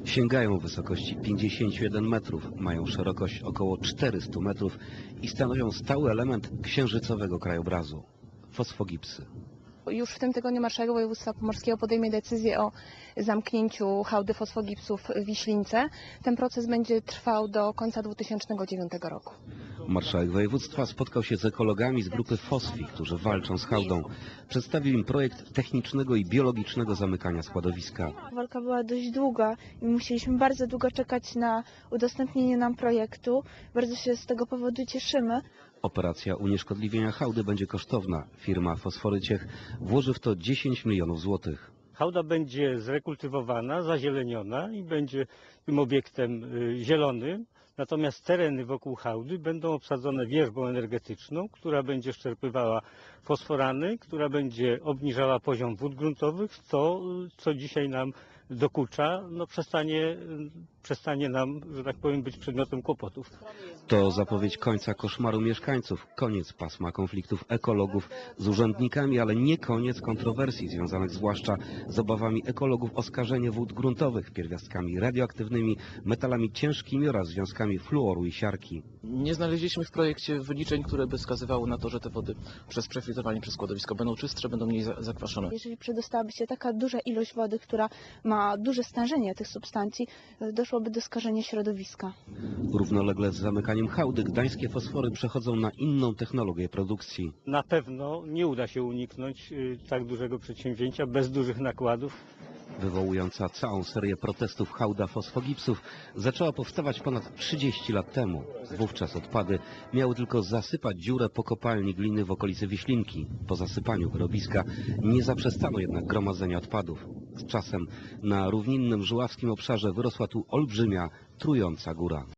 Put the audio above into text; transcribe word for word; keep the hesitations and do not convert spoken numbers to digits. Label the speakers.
Speaker 1: Sięgają wysokości pięćdziesięciu jeden metrów, mają szerokość około czterystu metrów i stanowią stały element księżycowego krajobrazu – fosfogipsy.
Speaker 2: Już w tym tygodniu marszałek województwa pomorskiego podejmie decyzję o zamknięciu hałdy fosfogipsów w Wiślince. Ten proces będzie trwał do końca dwa tysiące dziewiątego roku.
Speaker 1: Marszałek województwa spotkał się z ekologami z grupy Fosfi, którzy walczą z hałdą. Przedstawił im projekt technicznego i biologicznego zamykania składowiska.
Speaker 3: Walka była dość długa i musieliśmy bardzo długo czekać na udostępnienie nam projektu. Bardzo się z tego powodu cieszymy.
Speaker 1: Operacja unieszkodliwienia hałdy będzie kosztowna. Firma Fosforyciech włoży w to dziesięć milionów złotych.
Speaker 4: Hałda będzie zrekultywowana, zazieleniona i będzie tym obiektem zielonym. Natomiast tereny wokół hałdy będą obsadzone wierzbą energetyczną, która będzie szczerpywała fosforany, która będzie obniżała poziom wód gruntowych, to co dzisiaj nam dokucza, no przestanie, przestanie nam, że tak powiem, być przedmiotem kłopotów.
Speaker 1: To zapowiedź końca koszmaru mieszkańców, koniec pasma konfliktów ekologów z urzędnikami, ale nie koniec kontrowersji związanych zwłaszcza z obawami ekologów o skażenie wód gruntowych pierwiastkami radioaktywnymi, metalami ciężkimi oraz związkami fluoru i siarki.
Speaker 5: Nie znaleźliśmy w projekcie wyliczeń, które by wskazywały na to, że te wody przez przefiltrowanie przez składowisko będą czystsze, będą mniej zakwaszone.
Speaker 3: Jeżeli przedostałaby się taka duża ilość wody, która ma duże stężenie tych substancji, doszłoby do skażenia środowiska.
Speaker 1: Równolegle z zamykaniem hałdy gdańskie fosfory przechodzą na inną technologię produkcji.
Speaker 4: Na pewno nie uda się uniknąć tak dużego przedsięwzięcia bez dużych nakładów.
Speaker 1: Wywołująca całą serię protestów hałda fosfogipsów zaczęła powstawać ponad trzydzieści lat temu. Wówczas odpady miały tylko zasypać dziurę po kopalni gliny w okolicy Wiślinki. Po zasypaniu wyrobiska nie zaprzestano jednak gromadzenia odpadów. Z czasem na równinnym żuławskim obszarze wyrosła tu olbrzymia, trująca góra.